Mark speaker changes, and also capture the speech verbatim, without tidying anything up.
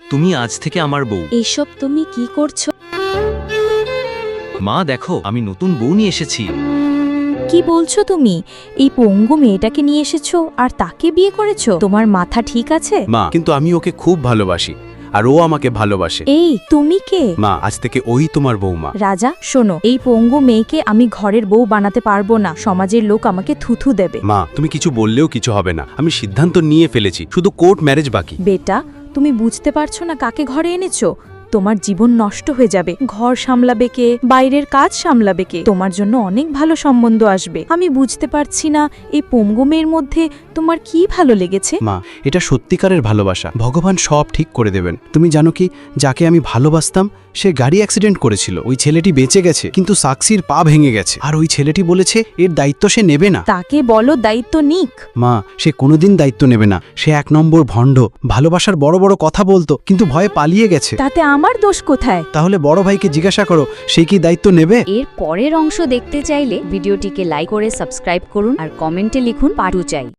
Speaker 1: তুমি আজ থেকে আমার বউ।
Speaker 2: এইসব তুমি কি করছো?
Speaker 1: মা দেখো, আমি নতুন বউ নিয়ে এসেছি।
Speaker 2: কি বলছো তুমি? এই পঙ্গু মেয়েটাকে নিয়ে এসেছো আর তাকে বিয়ে করেছো? তোমার মাথা ঠিক আছে?
Speaker 3: মা, কিন্তু আমি ওকে খুব ভালোবাসি আর ও আমাকে ভালোবাসে।
Speaker 2: এই তুমি কে?
Speaker 3: মা, আজ থেকে ওই তোমার বৌমা।
Speaker 2: রাজা শোনো, এই পঙ্গু মেয়েকে আমি ঘরের বউ বানাতে পারবো না। সমাজের লোক আমাকে থুথু দেবে।
Speaker 3: মা, তুমি কিছু বললেও কিছু হবে না। আমি সিদ্ধান্ত নিয়ে ফেলেছি, শুধু কোর্ট ম্যারেজ বাকি।
Speaker 2: বেটা, তুমি বুঝতে পারছো না কাকে ঘরে এনেছো? তোমার জীবন নষ্ট হয়ে যাবে। ঘর সামলাবে কে, বাইরের কাজ সামলাবে কে? তোমার জন্য অনেক ভালো সম্বন্ধ আসবে। আমি বুঝতে পারছি না এই পঙ্গু মেয়ের মধ্যে তোমার কি ভালো লেগেছে।
Speaker 3: মা, এটা সত্যিকারের ভালোবাসা। ভগবান সব ঠিক করে দেবেন। তুমি জানো কি, যাকে আমি ভালোবাসতাম সে গাড়ি অ্যাক্সিডেন্ট করেছিল। ওই ছেলেটি বেঁচে গেছে, কিন্তু সাক্ষীর পা ভেঙে গেছে। আর ওই ছেলেটি বলেছে এর দায়িত্ব সে নেবে না।
Speaker 2: তাকে বলো দায়িত্ব নিক।
Speaker 3: মা, সে কোনোদিন দায়িত্ব নেবে না। সে এক নম্বর ভণ্ড। ভালোবাসার বড় বড় কথা বলতো, কিন্তু ভয়ে পালিয়ে গেছে।
Speaker 2: তাতে আমার দোষ কোথায়?
Speaker 3: তাহলে বড় ভাইকে জিজ্ঞাসা করো, সে কি দায়িত্ব নেবে?
Speaker 4: এর পরের অংশ দেখতে চাইলে ভিডিওটিকে লাইক করে সাবস্ক্রাইব করুন আর কমেন্টে লিখুন পার্ট টু চাই।